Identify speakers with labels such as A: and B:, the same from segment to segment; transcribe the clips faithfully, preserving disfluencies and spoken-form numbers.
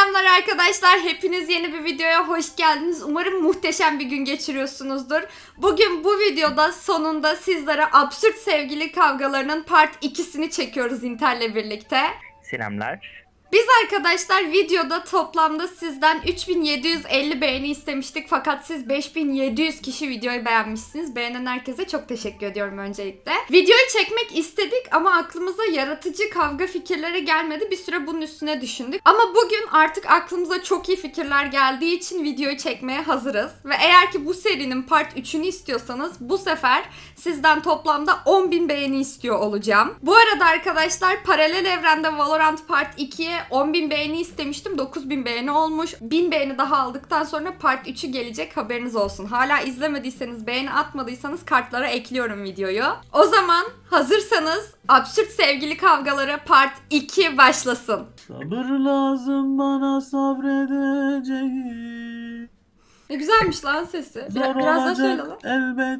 A: Selamlar arkadaşlar. Hepiniz yeni bir videoya hoş geldiniz. Umarım muhteşem bir gün geçiriyorsunuzdur. Bugün bu videoda sonunda sizlere absürt sevgili kavgalarının part ikisini çekiyoruz Inter'le birlikte.
B: Selamlar.
A: Biz arkadaşlar videoda toplamda sizden üç bin yedi yüz elli beğeni istemiştik. Fakat siz beş bin yedi yüz kişi videoyu beğenmişsiniz. Beğenen herkese çok teşekkür ediyorum öncelikle. Videoyu çekmek istedik ama aklımıza yaratıcı kavga fikirleri gelmedi. Bir süre bunun üstüne düşündük. Ama bugün artık aklımıza çok iyi fikirler geldiği için videoyu çekmeye hazırız. Ve eğer ki bu serinin part üçünü istiyorsanız bu sefer sizden toplamda on bin beğeni istiyor olacağım. Bu arada arkadaşlar paralel evrende Valorant part ikiye on bin beğeni istemiştim. dokuz bin beğeni olmuş. bin beğeni daha aldıktan sonra part üçü gelecek, haberiniz olsun. Hala izlemediyseniz, beğeni atmadıysanız kartlara ekliyorum videoyu. O zaman hazırsanız absürt sevgili kavgaları part iki başlasın.
C: Sabır lazım bana sabredeceğim.
A: Ne güzelmiş lan sesi.
C: Zor
A: Biraz, biraz daha söyle
C: olacak
A: lan.
C: elbet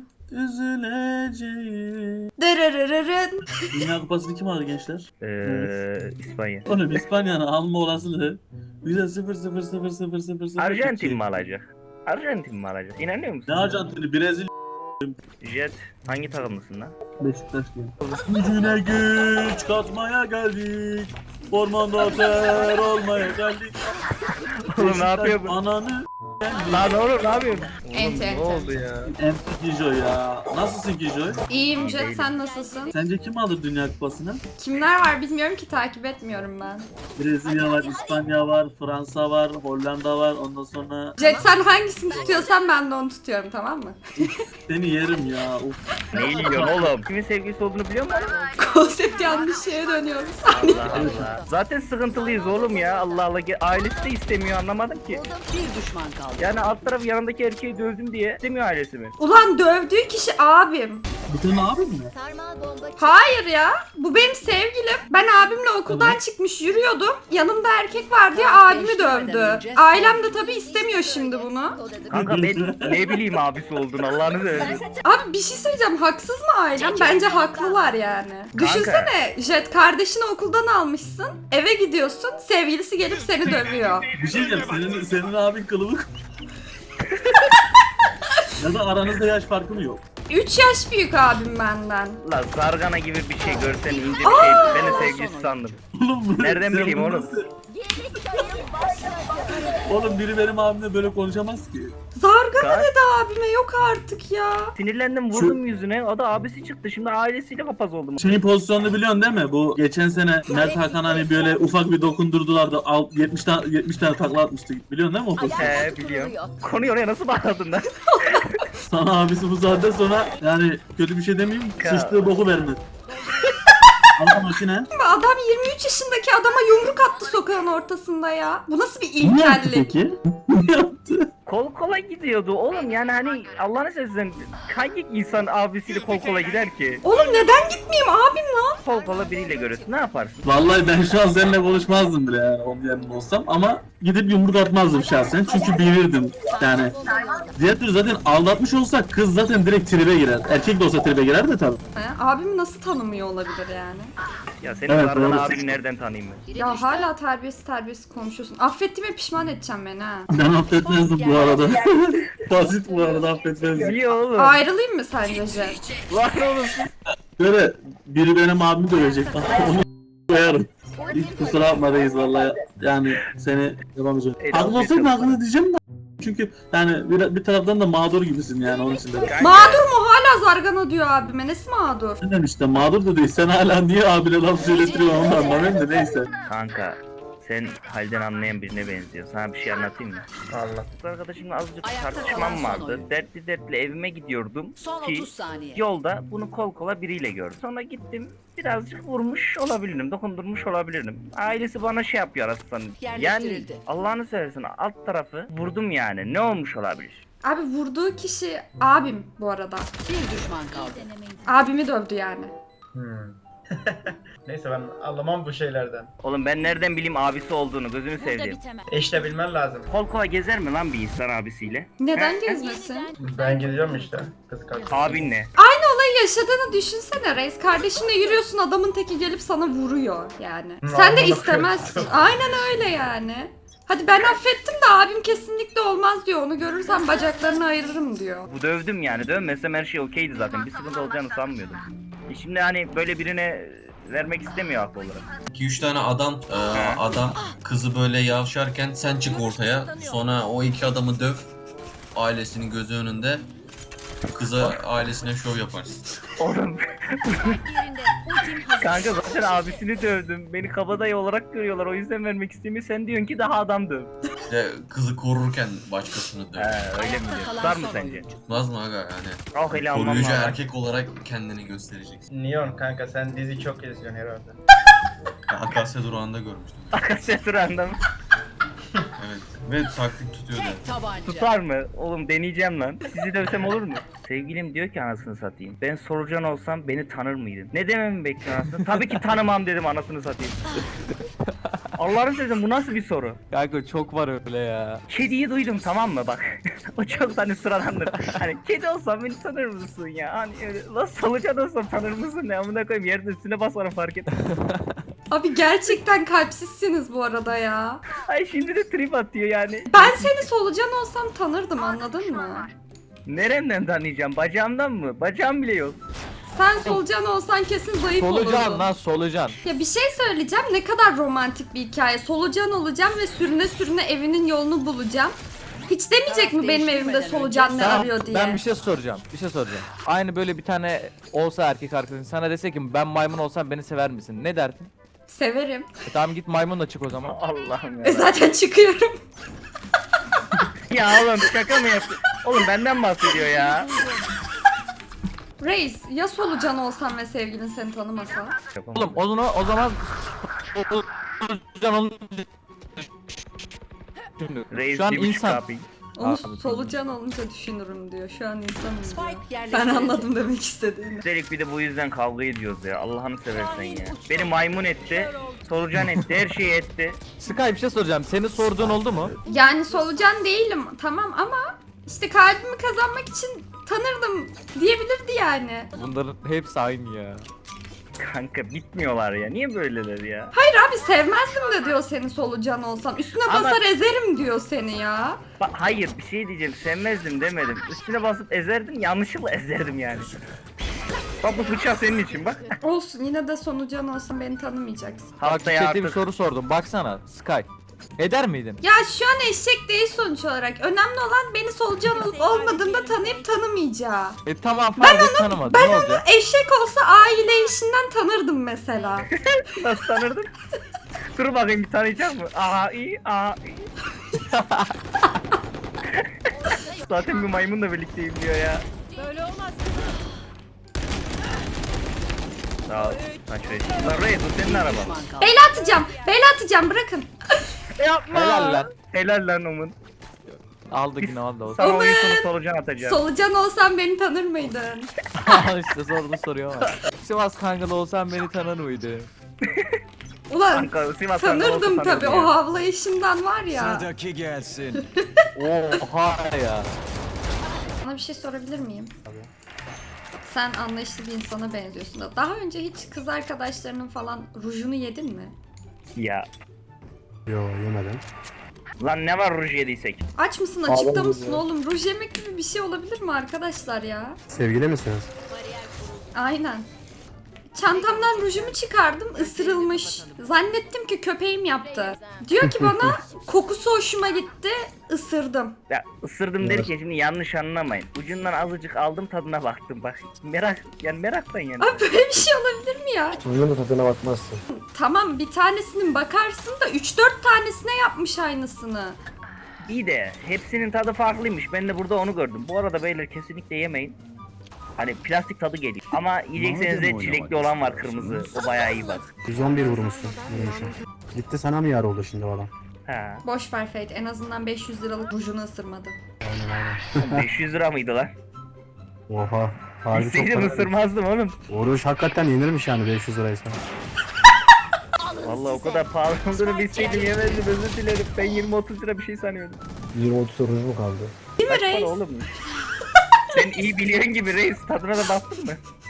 C: üzüleceğim.
A: Dırırırırın.
C: Dünya Kupası'nı kim aldı gençler?
B: Ee, İspanya.
C: Oğlum İspanya'nın alma olasılığı yüzde sıfır sıfır sıfır sıfır sıfır sıfır.
B: Arjantin mi alacak? Arjantin mi alacak? İnanıyor musun?
C: Ne Arjantin'i? Brezilya.
B: Jet hangi takımlısın lan?
C: Beşiktaş diyor. Gücüne güç katmaya geldik. Ormanda ter olmaya geldik.
B: Oğlum ne yapıyor bu?
C: Ananı
B: Lan oğlum ne yapıyorsun?
A: Ente,
B: Ne
A: ente.
B: oldu ya?
C: M P Kijo ya. Nasılsın Kijo?
A: İyiyim Jet, sen nasılsın?
C: Sence kim alır Dünya Kupası'nı?
A: Kimler var bilmiyorum ki, takip etmiyorum ben.
C: Brezilya var, İspanya var, Fransa var, Hollanda var. Ondan sonra
A: Jet sen hangisini tutuyorsan ben de onu tutuyorum, tamam mı?
C: seni yerim ya. Uf.
B: Ne yiyorsun oğlum? Kimin sevgilisi olduğunu biliyor musun?
A: Konsept yanlış şeye dönüyoruz.
B: Allah Allah. Zaten sıkıntılıyız oğlum ya. Allah Allah. Ailesi de istemiyor, anlamadım ki.
D: Bir düşman kaldı.
B: Yani alt tarafı yanındaki erkeği dövdüm diye istemiyor ailesi mi?
A: Ulan dövdüğü kişi abim.
C: Bu senin abin mi?
A: Hayır ya, bu benim sevgilim. Ben abimle okuldan çıkmış yürüyordum. Yanımda erkek var diye abimi dövdü. Ailem de tabii istemiyor şimdi bunu.
B: Kanka ben ne bileyim abisi olduğunu, Allah'ını seversen.
A: Abi bir şey söyleyeceğim, haksız mı ailem? Bence haklılar yani. Düşünsene Jet, kardeşini okuldan almışsın, eve gidiyorsun, sevgilisi gelip seni dövüyor.
C: Bir şey diyeceğim. Senin, senin abin kılıbık. Ya da aranızda yaş farkı mı yok?
A: üç yaş büyük abim benden.
B: Lan zargana gibi bir şey görsen ince bir şey. Ben de sevgilisi sandım.
C: Oğlum bu-
B: Nereden
C: sen
B: bileyim
C: bunu
B: oğlum?
C: nasıl- Oğlum biri benim abimle böyle konuşamaz ki.
A: Zargana
B: Kaç?
A: dedi abime, yok artık ya.
B: Sinirlendim, vurdum yüzüne. O da abisi çıktı. Şimdi ailesiyle papaz oldum.
C: Şeyin pozisyonunu biliyorsun değil mi? Bu geçen sene Mert Hakan hani böyle ufak bir dokundurdular da al- yetmiş tane yetmiş tane takla atmıştı. Biliyorsun değil mi o pozisyonu?
B: He biliyorum. Konuyu oraya nasıl bağladın lan?
C: Sana abisi bu saatten sonra yani kötü bir şey demeyeyim.
B: Ka-
C: Sıçtığı boku vermez. Ama makine.
A: Adam yirmi üç yaşındaki adama yumruk attı sokağın ortasında ya. Bu nasıl bir
C: Ne yaptı
A: ilkellik?
C: peki? Ne yaptı?
B: Kol kola gidiyordu oğlum, yani hani Allah'ını seversen hangi insan abisiyle kol kola gider ki?
A: Oğlum neden gitmeyeyim abim lan?
B: Kol kola biriyle görürsün, ne yaparsın?
C: Vallahi ben şu an seninle konuşmazdım bile yani onun yerinde olsam ama gidip yumruk atmazdım şahsen çünkü bilirdim yani. Diğer türlü zaten aldatmış olsak kız zaten direkt tribe girer. Erkek de olsa tribe girer de tabii.
A: He, abimi nasıl tanımıyor olabilir yani?
B: Ya senin
C: Evet,
B: zargana
C: doğru.
B: abini nereden tanıyayım ben?
A: Ya hala terbiyesiz terbiyesiz konuşuyorsun. Affettiğime pişman edeceğim beni ha.
C: Ben affetmezdim bu arada. Basit bu arada affetmezdim.
B: Niye oğlum?
A: Ayrılayım mı sence Jet?
B: Lan oğlum siz-
C: Böyle biri benim abimi dövecek. Onu koyarım. Hiç kusura bakma reis vallahi yani seni yapamayacağım.
B: El
C: Haklı
B: al,
C: olsaydın
B: bir
C: hakkını diyeceğim de. Çünkü yani bir, bir taraftan da mağdur gibisin yani onun için de.
B: Kanka,
A: Mağdur mu? Hala zargana diyor abime. Nesi mağdur?
C: Sen işte mağdur da değil. Sen hala niye abine laf söylettiriyorsun onu da anlamıyorum da neyse.
B: Kanka sen halden anlayan birine benziyor. Sana bir şey anlatayım mı? Allah. Kız arkadaşımla azıcık
D: Ayakta
B: tartışmam
D: kalan son
B: vardı.
D: oyun.
B: Dertli dertli evime gidiyordum
D: Son
B: ki
D: otuz saniye.
B: yolda bunu kol kola biriyle gördüm. Sonra gittim, birazcık vurmuş olabilirim, dokundurmuş olabilirim. Ailesi bana şey yapıyor aslında. Yani
D: Yerleştirildi.
B: Allah'ını seversen alt tarafı vurdum yani. Ne olmuş olabilir?
A: Abi vurduğu kişi abim bu arada.
D: Bir düşman kaldı.
A: Abimi dövdü yani.
E: Hmm. Neyse ben anlamam bu şeylerden.
B: Oğlum ben nereden bileyim abisi olduğunu, gözünü seveyim.
E: E işte bilmen lazım.
B: Kol kola gezer mi lan bir insan abisiyle?
A: Neden gezmesin?
E: Ben gidiyorum işte kız kardeşim.
B: Abinle.
A: Aynı olayı yaşadığını düşünsene reis. Kardeşinle yürüyorsun, adamın teki gelip sana vuruyor yani.
E: Hı,
A: Sen de
E: anladım.
A: istemezsin. Aynen öyle yani. Hadi ben affettim de abim kesinlikle olmaz diyor. Onu görürsem bacaklarını ayırırım diyor.
B: Bu dövdüm yani. Dövmesem her şey okeydi zaten. Bir sıkıntı olacağını sanmıyordum. E şimdi hani böyle birine vermek istemiyor haklı olarak.
F: iki üç tane adam e, adam kızı böyle yavşarken sen çık ortaya. Sonra o iki adamı döv. Ailesinin gözü önünde. Kıza ailesine şov yaparsın.
B: Oğlum. Kanka zaten abisini dövdüm. Beni kabadayı olarak görüyorlar. O yüzden vermek istemiyor. Sen diyorsun ki daha adam döv.
F: İşte kızı korurken başkasını döv.
B: He öyle mi diyor? Tutar mı sence?
F: Tutmaz mı aga yani?
B: Ah hele almam
F: Koruyucu
B: lazım.
F: erkek olarak kendini göstereceksin.
E: Neon kanka sen dizi çok izliyorsun herhalde.
F: Akasya durağında görmüştüm.
B: Akasya durağında mı?
F: Evet. Ve taktik tutuyor da.
D: Tek tabanca.
B: Tutar mı? Oğlum deneyeceğim lan. Sizi dövsem olur mu? Sevgilim diyor ki anasını satayım. Ben solucan olsam beni tanır mıydın? Ne dememi bekliyorsun anasını? Tabii ki tanımam dedim anasını satayım. Allah'ını seversen bu nasıl bir soru?
G: Kanka çok var öyle ya.
B: Kediyi duydum tamam mı bak. O çok hani sıradandır. Hani kedi olsam beni tanır mısın ya? Hani öyle lan solucan olsam tanır mısın ne? Amına koyayım yerin üstüne basarım fark et.
A: Abi gerçekten kalpsizsiniz bu arada ya.
B: Ay şimdi de trip atıyor yani.
A: Ben seni solucan olsam tanırdım, anladın mı?
B: Nereden tanıyacağım? Bacağımdan mı? Bacağım bile yok.
A: Sen solucan olsan kesin zayıf
G: Solucan
A: olurdun.
G: lan solucan.
A: Ya bir şey söyleyeceğim, ne kadar romantik bir hikaye. Solucan olacağım ve sürüne sürüne evinin yolunu bulacağım. Hiç demeyecek mi benim evimde solucan ne
G: Tamam,
A: arıyor diye?
G: ben bir şey soracağım. Bir şey soracağım. Aynı böyle bir tane olsa erkek arkadaşın sana dese ki ben maymun olsam beni sever misin? Ne derdin?
A: Severim.
G: E tamam git maymunla çık o zaman.
B: Allah'ım
A: E
B: ya.
A: zaten çıkıyorum.
B: Ya oğlum şaka mı yapıyorsun? Oğlum benden bahsediyor ya.
A: Reis, ya solucan olsan ve sevgilin seni tanımasa?
G: Oğlum o zaman o zaman solucan olunca
B: Reis
G: şu an
B: bir buçuk
G: insan.
B: abi.
A: Onu
G: Abi,
A: solucan olunca düşünürüm diyor. Şu an insanım diyor.
D: Spike
A: Ben
D: yerleştirildi.
A: anladım demek istediğini.
B: Üstelik bir de bu yüzden kavga ediyoruz ya. Allah'ını seversen ya. Beni maymun etti. Solucan etti. Her şeyi etti.
G: Sky bir şey soracağım. Seni sorduğun oldu mu?
A: Yani solucan değilim tamam ama işte kalbimi kazanmak için tanırdım diyebilirdi yani.
G: Bunların hepsi aynı ya.
B: Kanka bitmiyorlar ya. Niye böyleler ya?
A: Hayır abi sevmezdim de diyor seni solucan olsam. Üstüne
B: Ama-
A: basar ezerim diyor seni ya.
B: Ba- hayır bir şey diyeceğim. Sevmezdim demedim. Üstüne basıp ezerdim. Yanlışlıkla ezerdim yani. Bak bu bıçak senin için bak.
A: Olsun yine de solucan olsam beni tanımayacaksın.
G: Bak
B: Haftaya
G: chatte bir
B: artık.
G: soru sordum. Baksana Sky. Eder miydin?
A: Ya şu an eşek değil sonuç olarak. Önemli olan beni solucan olup olmadığında tanıyıp tanımayacağı.
G: E tamam fark et tanımadın.
A: Ben
G: ne
A: onu
G: olacak?
A: eşek olsa aile işinden tanırdım mesela.
B: Nasıl tanırdın? Dur bakayım bir tanıyacak mı? Aa iyi, aa iyi. Zaten bir maymunla birlikteyim diyor ya.
D: Böyle olmaz.
B: Sağ ol. Lan şuraya. Lan Reis bu senin araban.
D: Düşman kaldı.
A: Beyler atacağım. Beyler atacağım bırakın.
B: Yapma.
G: Helal lan.
B: Helal lan Omun.
G: Aldı yine aldı. O.
B: Sana
A: Omun.
B: oyun sonu solucan atacağım.
A: Solucan olsam beni tanır mıydın?
G: işte sordu soruyor ama. Sivas Kangalı olsan beni tanır mıydı?
A: Ulan
B: Kanka, Sivas Kangalı olsa
A: tanırdım tabi
B: tanırdım
A: o
B: ya.
A: havlayışından var ya.
H: Sıradaki gelsin.
G: Oha ya.
A: Sana bir şey sorabilir miyim? Sen anlayışlı bir insana benziyorsun da. Daha önce hiç kız arkadaşlarının falan rujunu yedin mi?
B: Ya.
H: Yo yemedim.
B: Lan ne var ruj yediysek?
A: Aç mısın açıkta mısın oğlum? Ruj yemek gibi bir şey olabilir mi arkadaşlar ya?
H: Sevgili misiniz?
A: Aynen. Çantamdan rujumu çıkardım, ısırılmış. Zannettim ki köpeğim yaptı. Diyor ki bana kokusu hoşuma gitti, ısırdım.
B: Ya ısırdım derken şimdi yanlış anlamayın. Ucundan azıcık aldım tadına baktım bak. Merak yani meraktan yani.
A: Abi böyle bir şey olabilir mi ya?
H: Onun da tadına bakmazsın.
A: Tamam bir tanesinin bakarsın da üç dört tanesine yapmış aynısını.
B: İyi de hepsinin tadı farklıymış. Ben de burada onu gördüm. Bu arada beyler kesinlikle yemeyin. Hani plastik tadı geliyor. Ama yiyecekseniz de çilekli olan var kırmızı. O bayağı iyi bak.
H: yüz on bir vurmuşsun. Vurmuşsun. Gitti sana mı yar oldu şimdi o adam?
B: Ha.
A: Boş ver Fate, en azından beş yüz liralık rujunu ısırmadı.
H: Aynen aynen.
B: beş yüz lira mıydı lan?
H: Oha. Harbi çok
B: İsteydim
H: para.
B: ısırmazdım oğlum.
H: Oruç hakikaten yenirmiş yani beş yüz liraysa.
B: Vallahi o kadar pahalı olduğunu bilseydim yemezdim özür dilerim. Ben yirmi otuz lira bir şey sanıyordum.
H: yirmi otuz oruç mu kaldı?
A: Değil mi
B: Kaç para
A: reis?
B: oğlum? Sen iyi biliyorsun gibi reis. Tadına da baktın mı?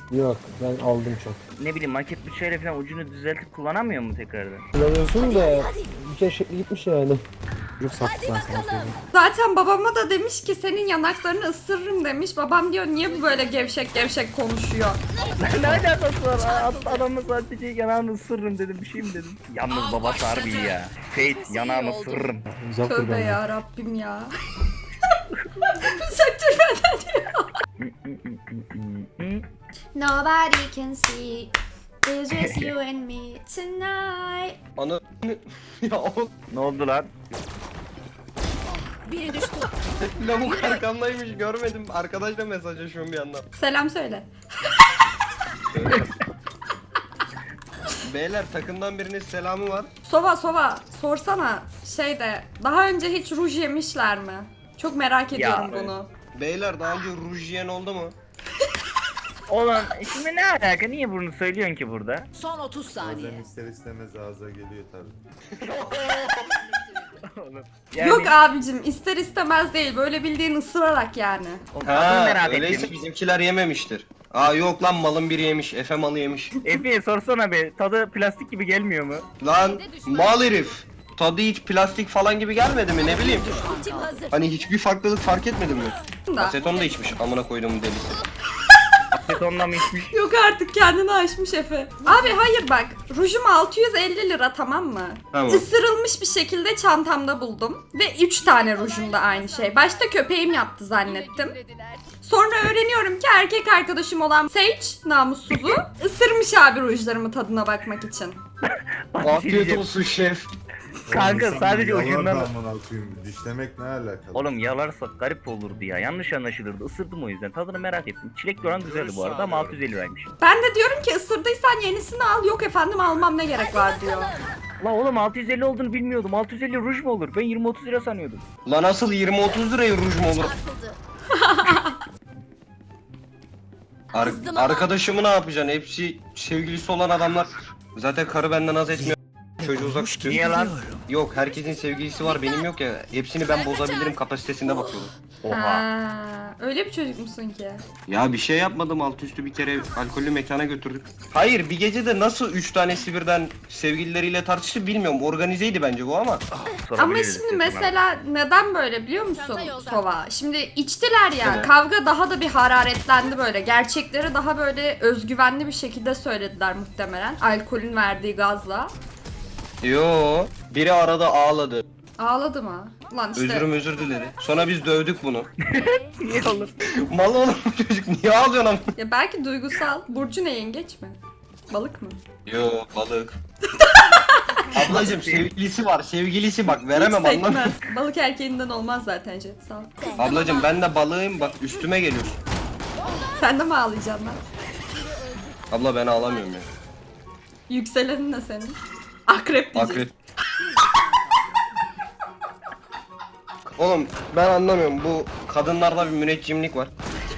I: Yok ben aldım çok.
B: Ne bileyim maket bıçağıyla falan ucunu düzeltip kullanamıyor mu tekrardan?
I: Kullanıyorsun da bir kere şekli gitmiş yani.
H: Çocuk sattık ben sana söyleyeyim.
A: Zaten babama da demiş ki senin yanaklarını ısırırım demiş. Babam diyor niye bu böyle gevşek gevşek konuşuyor.
B: Ne alakası var? Ad- Adamı sadece yanağını ısırırım dedim, bir şey mi dedim? Yalnız babası harbi iyi ya. Fate yanağını ısırırım.
H: Uzak dur
A: Tövbe
H: benden.
A: ya Rabbim ya. Söktür benden diyor. Nobody can see. It's just you and me tonight.
J: Ana ya o
B: Ne oldu lan?
D: Biri düştü.
J: lavuk arkamdaymış görmedim. Arkadaşla mesajlaşıyorum bir yandan.
A: Selam söyle.
J: Beyler takımdan birinin selamı var.
A: Sova Sova sorsana şeyde daha önce hiç ruj yemişler mi? Çok merak ediyorum
B: Ya,
A: bunu.
J: Beyler daha önce ruj yiyen oldu mu?
B: Oğlum şimdi ne alaka? Niye bunu söylüyorsun ki burada?
D: Son otuz saniye.
K: ister istemez ağza geliyor tabii.
B: Oğlum, yani,
A: Yok abicim ister istemez değil böyle bildiğin ısırarak yani.
B: oğlum, tadını
J: Ha
B: merak
J: öyleyse
B: ettim.
J: bizimkiler yememiştir. Aa yok lan malın biri yemiş. Efe malı yemiş.
B: Efe sorsana be, tadı plastik gibi gelmiyor mu?
J: Lan mal herif. Tadı hiç plastik falan gibi gelmedi mi ne bileyim.
D: Ultim hazır.
J: Hani hiçbir farklılık fark etmedin mi?
A: Da.
J: Aseton da içmiş amına koyduğum delisi.
B: Betonla mı içmiş?
A: Yok artık kendini aşmış Efe. Abi hayır bak rujum altı yüz elli lira tamam mı?
J: Tamam.
A: Isırılmış bir şekilde çantamda buldum. Ve üç tane rujum da aynı şey. Başta köpeğim yaptı zannettim. Sonra öğreniyorum ki erkek arkadaşım olan Sage namussuzu ısırmış abi rujlarımı tadına bakmak için.
B: Bak, bir şey
J: Afiyet
B: diyeceğim.
J: olsun şef.
B: Kanka sadece ucundan...
K: Dişlemek ne alakalı?
B: Oğlum yalarsak garip olurdu ya. Yanlış anlaşılırdı. Isırdım o yüzden. Tadını merak ettim. Çilekli olan güzeldi bu arada ama altı yüz elli liraymış.
A: Ben de diyorum ki ısırdıysan yenisini al. Yok efendim almam ne gerek var diyor.
B: La oğlum altı yüz elli olduğunu bilmiyordum. altı yüz elli ruj mu olur? Ben yirmi otuz lira sanıyordum.
J: Lan nasıl yirmi otuz liraya ruj mu olur? Ar- arkadaşımı ne yapacaksın? Hepsi sevgilisi olan adamlar. Zaten karı benden az etmiyor. Çocuğu uzak tutuyor.
B: Niye lan?
J: Yok herkesin sevgilisi var benim yok ya. Hepsini ben bozabilirim kapasitesinde bakıyorum.
B: Oha.
A: Ha, öyle bir çocuk musun ki?
J: Ya bir şey yapmadım alt üstü bir kere alkollü mekana götürdük. Hayır bir gecede nasıl üç tanesi birden sevgilileriyle tartıştı bilmiyorum. Organizeydi bence bu ama.
A: Ama
B: Sorabiliriz
A: şimdi
B: istiyorsan abi.
A: mesela neden böyle biliyor musun Sova? Şimdi içtiler ya
J: Evet.
A: kavga daha da bir hararetlendi böyle. Gerçekleri daha böyle özgüvenli bir şekilde söylediler muhtemelen. Alkolün verdiği gazla.
J: Yo biri arada ağladı.
A: Ağladı mı? Lan işte.
J: Özürüm özür diledi. Sonra biz dövdük bunu.
B: Niye oğlum?
J: Mal oğlum bu çocuk niye ağlıyorsun ama?
A: Ya belki duygusal. Burcu ne yengeç mi? Balık mı?
J: Yo balık. Ablacım sevgilisi var sevgilisi bak veremem
A: Hiç
J: anlamıyorum.
A: sekmez. Balık erkeğinden olmaz zaten Jet sağ ol.
J: Ablacım ben de balığım bak üstüme geliyorsun.
A: Sen de mi ağlayacaksın lan?
J: Abla ben ağlamıyorum ya.
A: Yükselenin ne senin? Akrep diyecek.
J: Akrep. Oğlum ben anlamıyorum bu kadınlarda bir müneccimlik var.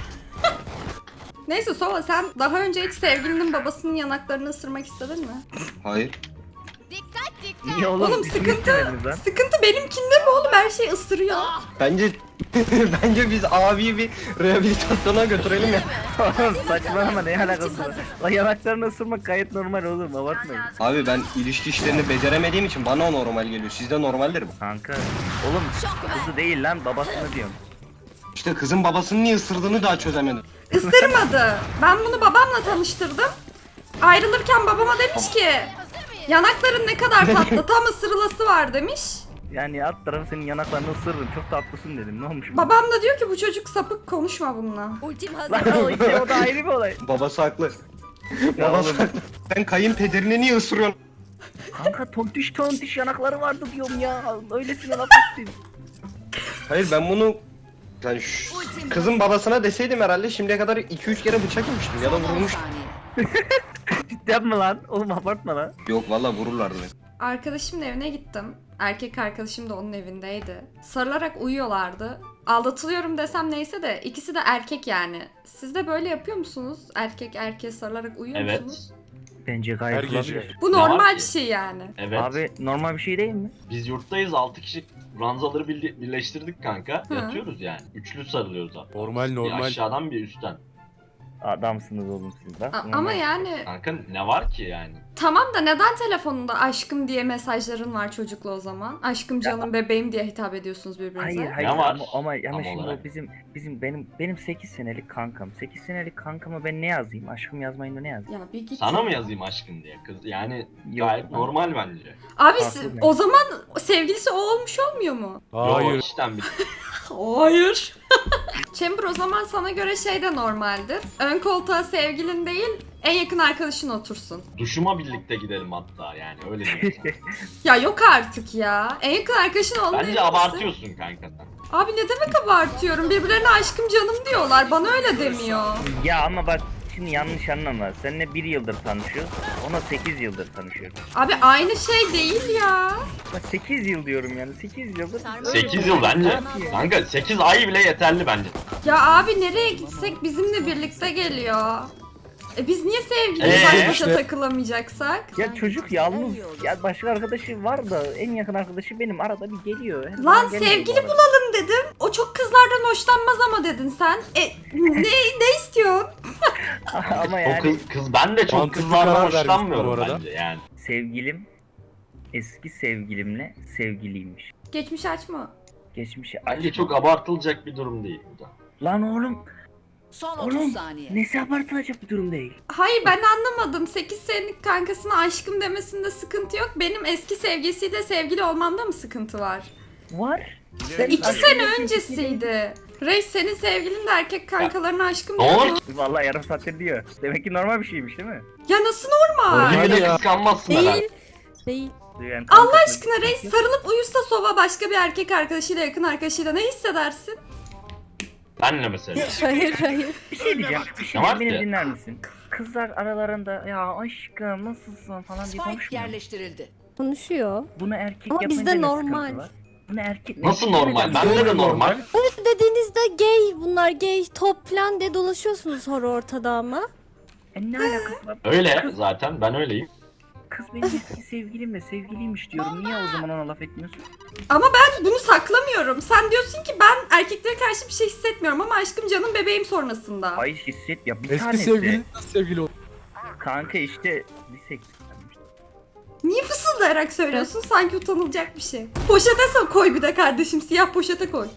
A: Neyse Sova sen daha önce hiç sevgilinin babasının yanaklarını ısırmak istedin mi?
J: Hayır.
B: Niye oğlum?
A: Oğlum
B: Biz
A: sıkıntı,
B: istemediniz lan.
A: sıkıntı benimkinde mi oğlum her şey ısırıyor.
J: Bence bence biz abiyi bir rehabilitasyona götürelim ya.
B: Oğlum saçmalama ne alakası var? La yanaklarını ısırmak gayet normal oğlum abartmayın.
J: Abi ben ilişki işlerini beceremediğim için bana o normal geliyor. Sizde normaldir bu.
B: Kanka oğlum kızı değil lan babasını diyorum.
J: İşte kızın babasının niye ısırdığını daha çözemedim.
A: Isırmadı. Ben bunu babamla tanıştırdım. Ayrılırken babama demiş ki yanakların ne kadar tatlı tam ısırılası var demiş.
B: Yani alt tarafı senin yanaklarını ısırırım çok tatlısın dedim ne olmuş bu?
A: Babam da diyor ki bu çocuk sapık konuşma bununla.
D: Ultim hazır.
B: Lan o işte o da ayrı bir olay.
J: Babası haklı.
B: Ya
J: Babası
B: oğlum.
J: haklı. Sen kayınpederini niye ısırıyorsun?
B: Kanka tontiş tontiş yanakları vardı diyorum ya. Öylesine laf ettin.
J: Hayır ben bunu yani şu kızın babasına deseydim herhalde şimdiye kadar iki üç kere bıçak yemiştim ya da
D: Son on
J: vurulmuştum.
D: saniye.
B: Cidden mi lan? Oğlum abartma lan.
J: Yok valla vururlardı beni.
A: Arkadaşımın evine gittim. Erkek arkadaşım da onun evindeydi. Sarılarak uyuyorlardı. Aldatılıyorum desem neyse de ikisi de erkek yani. Siz de böyle yapıyor musunuz? Erkek erkeğe sarılarak uyuyor
L: Evet.
A: musunuz?
B: Bence gayet olabilir.
A: Bu
L: Ne var
A: normal
L: ki?
A: bir şey yani.
L: Evet.
B: Abi normal bir şey değil mi?
L: Biz yurttayız altı kişi ranzaları birle- birleştirdik kanka.
A: Hı.
L: Yatıyoruz yani. Üçlü sarılıyoruz abi.
H: Normal
L: Bir
H: normal.
L: aşağıdan bir üstten.
B: Adamsınız oğlum siz bak.
A: A- ama yani
L: Kanka ne var ki yani?
A: tamam da neden telefonunda aşkım diye mesajların var çocukla o zaman? Aşkım, canım, bebeğim diye hitap ediyorsunuz birbirinize.
B: Hayır hayır
L: Ne var?
B: ama ama, ama
L: Tam
B: şimdi
L: olarak.
B: o bizim bizim benim benim sekiz senelik kankam. sekiz senelik kankama ben ne yazayım? Aşkım yazmayın da ne yazayım?
A: Ya bir git.
L: Sana mı yazayım aşkın diye kız? Yani
B: Yok
L: gayet
B: lan.
L: normal bence.
A: Abi
B: Haklı
A: si-
B: ben.
A: o zaman sevgilisi o olmuş olmuyor mu?
L: Yo, işten bir
A: Hayır. Chamber o zaman sana göre şey de normaldir. Ön koltuğa sevgilin değil, en yakın arkadaşın otursun.
L: duşuma birlikte gidelim hatta yani öyle diyeyim sana.
A: Ya yok artık ya. En yakın arkadaşın olmalı.
L: Bence abartıyorsun kanka sen.
A: Abi ne demek abartıyorum? Birbirlerine aşkım canım diyorlar. Bana öyle demiyor.
B: Ya ama bak şimdi yanlış anlama. Seninle bir yıldır tanışıyoruz. Ona sekiz yıldır tanışıyoruz.
A: Abi aynı şey değil ya.
B: Bak sekiz yıl diyorum yani. sekiz yıldır.
L: sekiz yıl bence. Kanka sekiz ay bile yeterli bence.
A: Ya abi nereye gitsek bizimle birlikte geliyor. E biz niye sevgili
L: Ee,
A: baş başa
G: işte.
A: takılamayacaksak?
B: Ya çocuk yalnız. Ya başka arkadaşı var da en yakın arkadaşı benim. Arada bir geliyor. Her
A: Lan
B: zaman gelmiyor
A: sevgili
B: bu arada.
A: bulalım dedim. O çok kızlardan hoşlanmaz ama dedin sen. E ne ne istiyorsun?
B: Ama
L: O
B: yani
L: kız, kız ben de çok
G: Mantıklı
L: kızlardan
G: karar vermiş bu
L: hoşlanmıyorum
G: arada.
L: bence yani.
B: sevgilim eski sevgilimle sevgiliymiş.
A: Geçmiş açma.
B: Geçmişi
L: Bence
B: açma.
L: çok abartılacak bir durum değil bu da.
B: Lan oğlum.
D: Son
B: Oğlum,
D: otuz saniye.
B: Nesi abartılacak bir durum değil.
A: Hayır ben anlamadım. sekiz senelik kankasına aşkım demesinde sıkıntı yok. Benim eski sevgilisiyle sevgili olmamda mı sıkıntı var?
B: Var.
A: İki sene öncesiydi. Reis senin sevgilin de erkek kankalarına aşkım
L: Ne
A: diyor
L: olur
A: mu?
B: Vallahi yarım saattir diyor. Demek ki normal bir şeymiş değil mi?
A: Ya nasıl normal?
L: Yemin
G: ya.
L: kıskanmazsın herhalde.
A: Değil.
B: Yani
A: Allah
B: kankasına-
A: aşkına reis sarılıp uyusa sova başka bir erkek arkadaşıyla yakın arkadaşıyla ne hissedersin?
L: Benle mesela.
A: Hayır hayır.
B: Bir şey diyeceğim. Bir şey
L: Ne var
B: diyeceğim. Beni
L: ki?
B: dinler misin? Kızlar aralarında ya aşkım nasılsın falan diye
D: Spike
B: konuşmuyor.
D: yerleştirildi.
M: Konuşuyor.
B: Bunu erkek
M: Ama
B: yapınca
M: bizde
B: ne
M: normal.
B: sıkıntı var? Bunu erkek
L: Nasıl
B: erkek
L: normal?
B: yapınca-
L: Bende de normal.
M: Dediğinizde gay bunlar gay top falan diye dolaşıyorsunuz sonra ortada ama.
B: E ne alakası var?
L: Öyle zaten ben öyleyim.
B: Kız benim eski sevgilimle sevgiliymiş diyorum. Niye o zaman ona laf etmiyorsun?
A: Ama ben bunu saklamıyorum. Sen diyorsun ki ben erkeklere karşı bir şey hissetmiyorum ama aşkım canım bebeğim sonrasında.
B: Hayır hisset ya bir
G: Eski
B: tanesi.
G: sevgilin nasıl sevgili oldu?
B: Kanka işte lisek.
A: Niye fısıldayarak söylüyorsun? Sanki utanılacak bir şey. Poşete so- koy bir de kardeşim. Siyah poşete koy.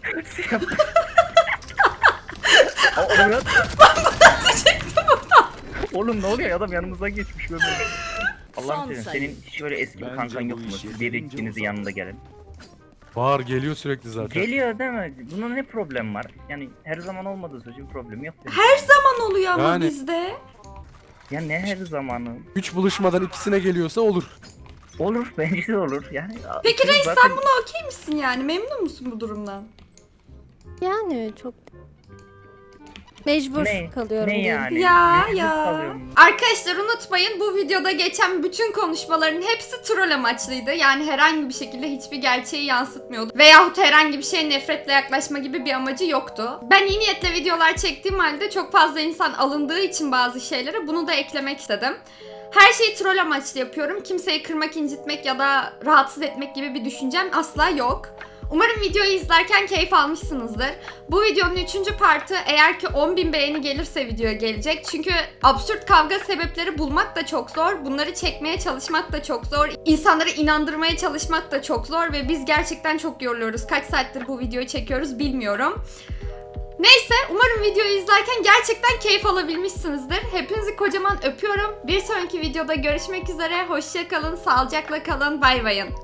B: Oğlum ne oluyor adam yanımızdan geçmiş böyle. Allah'ım
D: Son
B: senin
D: sayı.
B: senin hiç öyle eski bir kankan yok mu? Siz bir ikinizi yanında gelin.
G: Var geliyor sürekli zaten.
B: Geliyor değil mi? Bunun ne problem var? Yani her zaman olmadığı sürece bir problemi yok. Benim.
A: Her zaman oluyor ama
G: Yani-
A: bizde.
B: Ya ne her zamanı?
G: Üç buluşmadan ikisine geliyorsa olur.
B: Olur bence de olur. Yani
A: Peki
B: kız
A: reis
B: zaten-
A: sen buna okey misin yani? Memnun musun bu durumdan?
M: Yani çok mecbur
B: Ne?
M: kalıyorum.
B: Ne
M: diyeyim.
B: yani?
A: Ya
B: Mecbur
A: ya.
B: kalıyorum.
A: Arkadaşlar unutmayın bu videoda geçen bütün konuşmaların hepsi troll amaçlıydı. Yani herhangi bir şekilde hiçbir gerçeği yansıtmıyordu. Veyahut herhangi bir şeye nefretle yaklaşma gibi bir amacı yoktu. Ben iyi niyetle videolar çektiğim halde çok fazla insan alındığı için bazı şeylere bunu da eklemek istedim. Her şeyi troll amaçlı yapıyorum. Kimseyi kırmak, incitmek ya da rahatsız etmek gibi bir düşüncem asla yok. Umarım videoyu izlerken keyif almışsınızdır. Bu videonun üçüncü partı eğer ki on bin beğeni gelirse videoya gelecek. Çünkü absürt kavga sebepleri bulmak da çok zor. Bunları çekmeye çalışmak da çok zor. İnsanları inandırmaya çalışmak da çok zor. Ve biz gerçekten çok yoruluyoruz. Kaç saattir bu videoyu çekiyoruz bilmiyorum. Neyse umarım videoyu izlerken gerçekten keyif alabilmişsinizdir. Hepinizi kocaman öpüyorum. Bir sonraki videoda görüşmek üzere. Hoşça kalın, sağlıcakla kalın. Bay bayın.